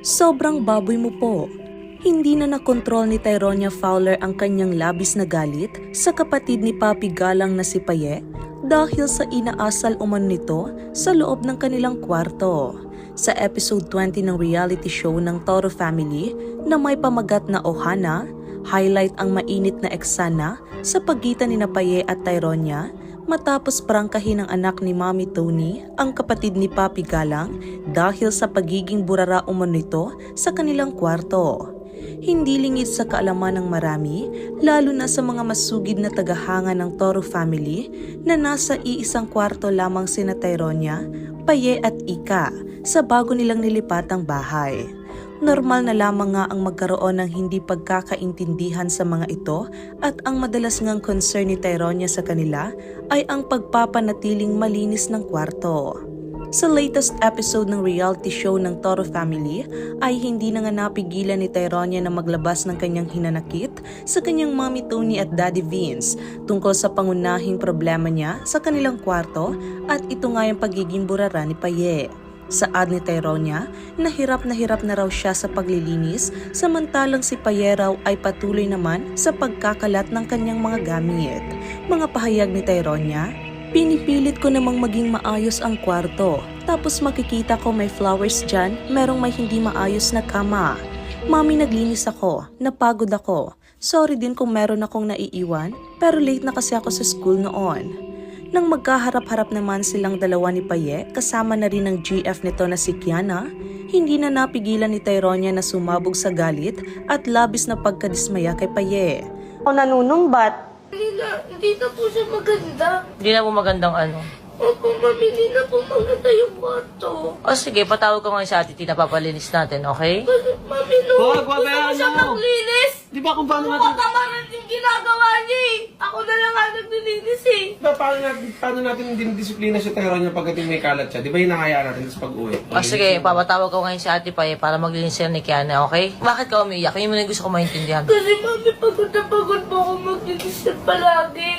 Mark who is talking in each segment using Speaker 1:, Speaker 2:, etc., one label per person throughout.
Speaker 1: Sobrang baboy mo po. Hindi na nakontrol ni Tyronia Fowler ang kanyang labis na galit sa kapatid ni Papi Galang na si Paye dahil sa inaasal umano nito sa loob ng kanilang kwarto. Sa episode 20 ng reality show ng Toro Family na may pamagat na Ohana, highlight ang mainit na eksena sa pagitan ni Paye at Tyronia matapos prangkahin ng anak ni Mommy Tony ang kapatid ni Papi Galang dahil sa pagiging burara umano nito sa kanilang kwarto. Hindi lingid sa kaalaman ng marami, lalo na sa mga masugid na tagahanga ng Toro family na nasa iisang kwarto lamang sina Tyronia, Paye at Ika sa bago nilang nilipatang bahay. Normal na lamang nga ang magkaroon ng hindi pagkakaintindihan sa mga ito at ang madalas ngang concern ni Tyronia sa kanila ay ang pagpapanatiling malinis ng kwarto. Sa latest episode ng reality show ng Toro Family ay hindi na nga napigilan ni Tyronia na maglabas ng kanyang hinanakit sa kanyang Mommy Tony at Daddy Vince tungkol sa pangunahing problema niya sa kanilang kwarto at ito nga yung pagiging burara ni Paye. Saad ni Tyronia, na hirap na raw siya sa paglilinis samantalang si Paye raw ay patuloy naman sa pagkakalat ng kanyang mga gamit. Mga pahayag ni Tyronia, pinipilit ko namang maging maayos ang kwarto. Tapos makikita ko may flowers dyan, merong may hindi maayos na kama. Mami, naglinis ako, napagod ako. Sorry din kung meron akong naiiwan, pero late na kasi ako sa school noon. Nang magkaharap-harap naman silang dalawa ni Paye, kasama na rin ang GF nito na si Kiana, hindi na napigilan ni Tyronia na sumabog sa galit at labis na pagkadismaya kay Paye.
Speaker 2: O nanunumbat.
Speaker 3: Hindi na po siya maganda.
Speaker 4: Hindi na po magandang ano.
Speaker 3: Opo, mami, hindi na po maganda yung kwarto.
Speaker 4: O sige, patawag ko ngayon sa ate Tina, papalinis natin, okay?
Speaker 3: Kasi, mami, no,
Speaker 5: Wag, wag,
Speaker 3: gusto ko
Speaker 5: ano?
Speaker 3: siya maglinis.
Speaker 5: Di ba kung paano
Speaker 3: Ano
Speaker 5: natin...
Speaker 3: ka kamaran yung ginagawa niya eh. Ako na lang nga naglilinis eh.
Speaker 5: Diba, paano natin dinidisiplina si Tyronia pagdating may kalat siya? Di ba hinahayaan natin sa pag-uwi?
Speaker 4: O sige, papatawag ko ngayon sa ate Paye para maglinis sila ni Kiana, okay? Bakit ka umiiyak? Yun mo na yung gusto ko maintindihan.
Speaker 3: Kasi, mami, pagod na pagod po ako maglinis na palagi.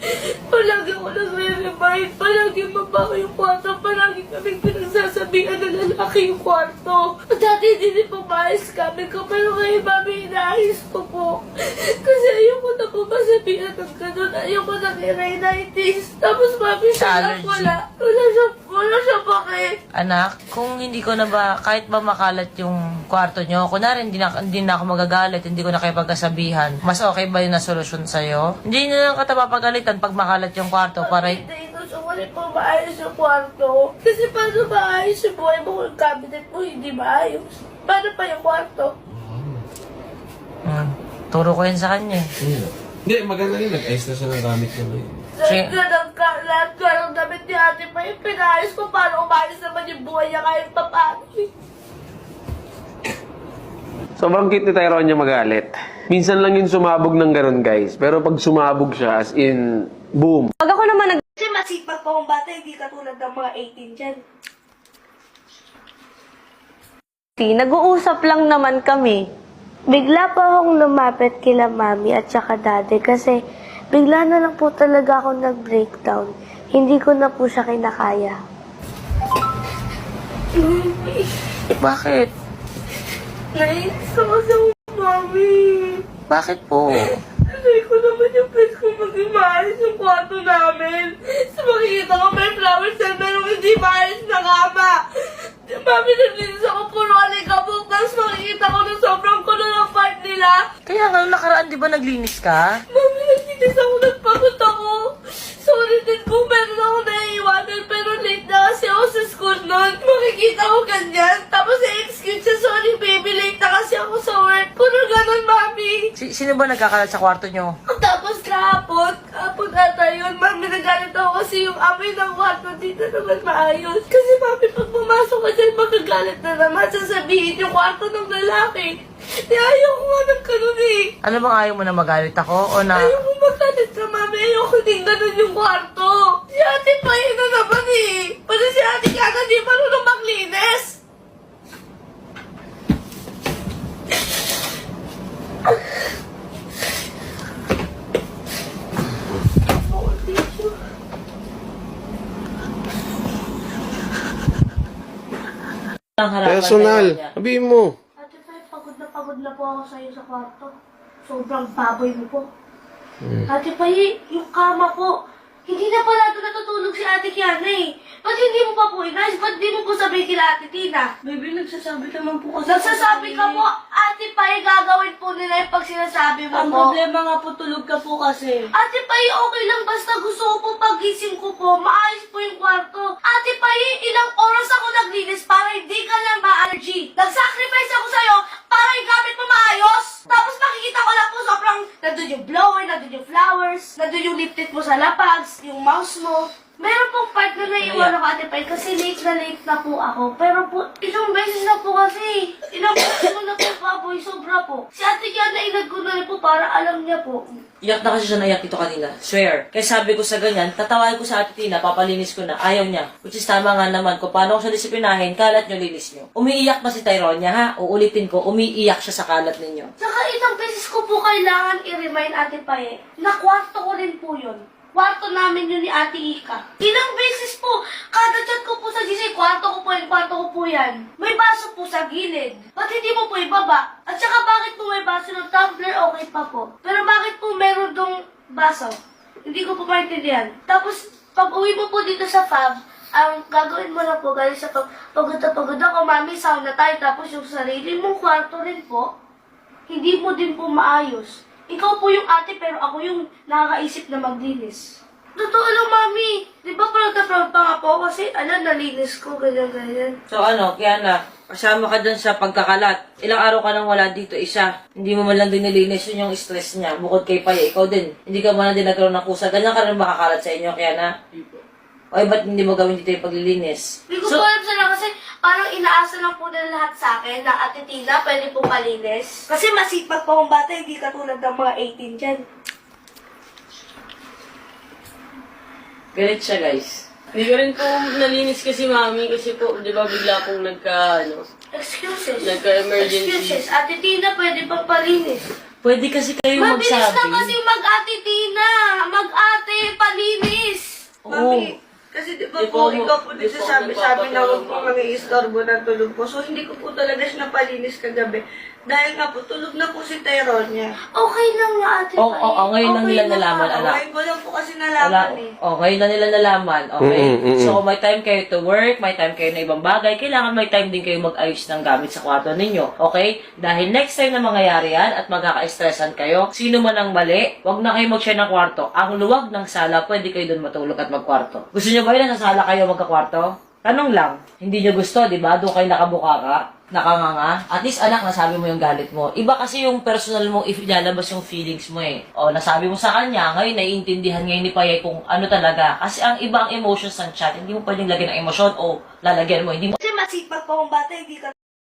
Speaker 3: Palagi ako nagre-remind. Palagi mabaho yung kwarto. Palagi kaming pinagsasabihan na lalaki yung kwarto. Dati hindi po maayos kami ko. Pero ngayon, mami, inaayos ko po. Kasi ayoko na po masabihan ng ganun. Ayoko na rhinitis. Tapos, mami, siya lang wala. Wala siya bakit.
Speaker 4: Anak, kung hindi ko na ba, kahit ba makalat yung kwarto nyo, kunwari hindi na ako magagalit, hindi ko na kayo pagkasabihan, mas okay ba yung nasolusyon sa'yo? Hindi na lang kita papagalitan pag makalat yung kwarto para...
Speaker 3: Hindi gusto ko rin po maayos yung kwarto. Kasi paano maayos yung buhay mo kung yung cabinet mo hindi maayos? Paano pa yung kwarto?
Speaker 4: Turo ko yun sa kanya.
Speaker 5: Hindi, maganda rin. Nag-ayos na siya ng gamit niya ngayon.
Speaker 4: Sige.
Speaker 3: Lahat ka ng damit ni ate pa yung pinayos ko. Paano umayos naman yung buhay niya kahit pa paano eh.
Speaker 5: Sobrang cute ni Tyronia magalit. Minsan lang yun sumabog ng ganun, guys. Pero pag sumabog siya, as in, boom.
Speaker 2: Pag ako naman
Speaker 3: Kasi masipag pa akong bata, hindi katulad ng mga 18 dyan.
Speaker 2: nag-uusap lang naman kami.
Speaker 6: Bigla pa akong lumapit kila mami at saka daddy kasi bigla na lang po talaga ako nag-breakdown. Hindi ko na po siya kinakaya.
Speaker 4: Bakit?
Speaker 3: Nainis ako sa mami.
Speaker 4: Bakit po?
Speaker 3: Kasi ko naman yung place ko maging maayos yung kwarto namin. So makikita ko may flowers na merong hindi maayos na kama. Mami, naglinis ako puro alikabok. Tapos makikita ko na sobrang kulo ng part nila.
Speaker 4: Kaya nga, nakaraan di ba naglinis ka?
Speaker 3: Mami, naglinis ako, nagpagod ako. Sorry din kung meron ako naiiwanan, pero late na kasi ako sa school noon. Makikita ko ganyan. Tapos i-excuse siya, sorry baby, late na kasi ako sa work. Puro ganun, mami.
Speaker 4: Sino ba nagkakalat sa kwarto nyo?
Speaker 3: Tapos kahapon ata yun, mami, nagalit ako kasi yung amoy ng kwarto dito naman maayos. Kasi mami, pag pumasok ka dyan, magagalit na naman. Sasabihin yung kwarto ng lalaki. Ayaw ko nga ng ganun eh.
Speaker 4: Ano bang ayaw mo na magalit ako? O na...
Speaker 3: Ayaw ko magalit ka, mami. Ayaw ko din ganun yung kwarto. Si ate pa yun na naman eh. Pati si ate Kiana di marunong maglinis.
Speaker 4: Ang harapan
Speaker 5: Personal.
Speaker 4: tayo niya.
Speaker 5: Sabihin mo.
Speaker 6: Ate Fay, pagod na po ako sa'yo sa kwarto. Sobrang baboy mo po. Ate Fay, yung kama po, hindi na pala ito natutulog si Ate Kiana eh. Ba't hindi mo pa po inayos? Ba't di mo po sabihin kila Ate Tina?
Speaker 3: Baby, nagsasabi naman po kasi.
Speaker 6: Nagsasabi ka po, Ate Fay, gagawin po nila yung pag sinasabi mo
Speaker 3: Ang
Speaker 6: po.
Speaker 3: problema nga po, tulog ka po kasi.
Speaker 6: Ate Pay, okay lang basta gusto ko po pagising ko po, maayos po yung kwarto. Ate Pay, ilang oras ako naglinis para hindi ka na ma-allergy. Nag-sacrifice ako sa'yo para yung gamit mo maayos. Tapos makikita ko lang po sobrang nandun yung blower, nandun yung flowers, nandun yung lip tint mo sa lapags, yung mouse mo. Meron pong part na naiwan ako, Ate Pay, kasi late na po ako. Pero po, ilang beses na po kasi. Ilang beses ko na po, baboy, sobra po. Si Ate Kiana, inag ko na rin po para alam niya po.
Speaker 4: Iyak na kasi siya naiyak ito kanina. Swear. Kaya sabi ko sa ganyan, tatawagin ko sa Ate Tina, papalinis ko na. Ayaw niya. Which is tama nga naman. Kung paano ko siya disiplinahin, kalat niyo, linis niyo. Umiiyak pa si Tyronia, ha? Uulitin ko, umiiyak siya sa kalat ninyo.
Speaker 6: Saka ilang beses ko po kailangan i-remind Ate Pay na kwarto ko rin po yun. Kwarto namin yun ni Ate Ika. Ilang beses po, kada chat ko po sa GC, kwarto ko po yan, kwarto ko po yan. May baso po sa gilid. Ba't hindi mo po ibaba? At saka bakit po may baso ng tumbler, okay pa po. Pero bakit po meron dong baso? Hindi ko po maintindihan. Tapos, pag uwi mo po dito sa fab, ang gagawin mo na po, galing sa pagod na pagod ako, mami, sauna tayo, tapos yung sarili mong kwarto rin po, hindi mo din po maayos. Ikaw po yung ate, pero ako yung nakakaisip na maglinis. Totoo lang, mami. Di ba proud na proud pa nga po ako kasi, nalinis ko, ganyan.
Speaker 4: So ano, kaya na, kasama ka dun sa pagkakalat. Ilang araw ka nang wala dito, isa. Hindi mo man lang din nilinis yun yung stress niya. Bukod kay Paya, ikaw din. Hindi ka man lang din nagkaroon ng kusa. Ganyan ka rin makakalat sa inyo, kaya na. Oy, ba't hindi mo gawin dito yung paglilinis?
Speaker 6: Hindi ko po alam sila kasi parang inaasa lang po nila lahat sa akin na Ate Tina, pwede po palinis. Kasi masipag po akong bata, hindi katulad ng mga 18 dyan.
Speaker 4: Galit siya, guys.
Speaker 3: Hindi ko rin po nalinis kasi mami kasi po, di ba bigla pong
Speaker 6: Excuses.
Speaker 3: Nagka-emergency.
Speaker 6: Excuses. Ate Tina, pwede pang palinis.
Speaker 4: Pwede kasi kayo
Speaker 6: Mabilis
Speaker 4: magsabi.
Speaker 6: na kasi mag-Ate Tina. Mag-ate, palinis.
Speaker 4: Oo.
Speaker 3: Kasi di ba
Speaker 4: Di
Speaker 3: po,
Speaker 4: po,
Speaker 3: ikaw po
Speaker 4: di
Speaker 3: din
Speaker 4: po
Speaker 3: sabi na huwag
Speaker 4: nagpapatulog
Speaker 3: po
Speaker 4: po.
Speaker 3: mag-iistorbo ng tulog po. So, hindi ko po talaga siya napalinis kagabi. Dahil nga po, tulog na po si Tyronia.
Speaker 6: Okay lang nga, Ate
Speaker 4: Oo,
Speaker 6: Pai.
Speaker 4: oo, ngayon lang nila nalaman, anak.
Speaker 3: Ngayon ko lang po kasi
Speaker 4: Wala.
Speaker 3: nalaman eh.
Speaker 4: Oh, ngayon na nila nalaman. Okay? So, may time kayo to work, may time kayo na ibang bagay. Kailangan may time din kayo mag-ayos ng gamit sa kwarto ninyo. Okay? Dahil next time na mangyayari yan at magkaka-stressan kayo, sino man ang mali, wag na kayo mag-share ng kwarto. Ang luwag ng sala, pwede kayo doon matulog at magkwarto. Gusto nyo ba yun na sa sala kayo magkakwarto? Tanong lang. Hindi nyo gusto, di ba? Doon kayo nakabuka ka, nakanganga. At least, anak, nasabi mo yung galit mo. Iba kasi yung personal mo if ilalabas yung feelings mo eh. O, nasabi mo sa kanya, ngayon, naiintindihan ngayon ni Payay kung ano talaga. Kasi ang ibang emotions ng chat, hindi mo pwedeng lagyan ng emosyon o lalagyan mo. Hindi mo
Speaker 6: Kasi masipag po akong bata, hindi ka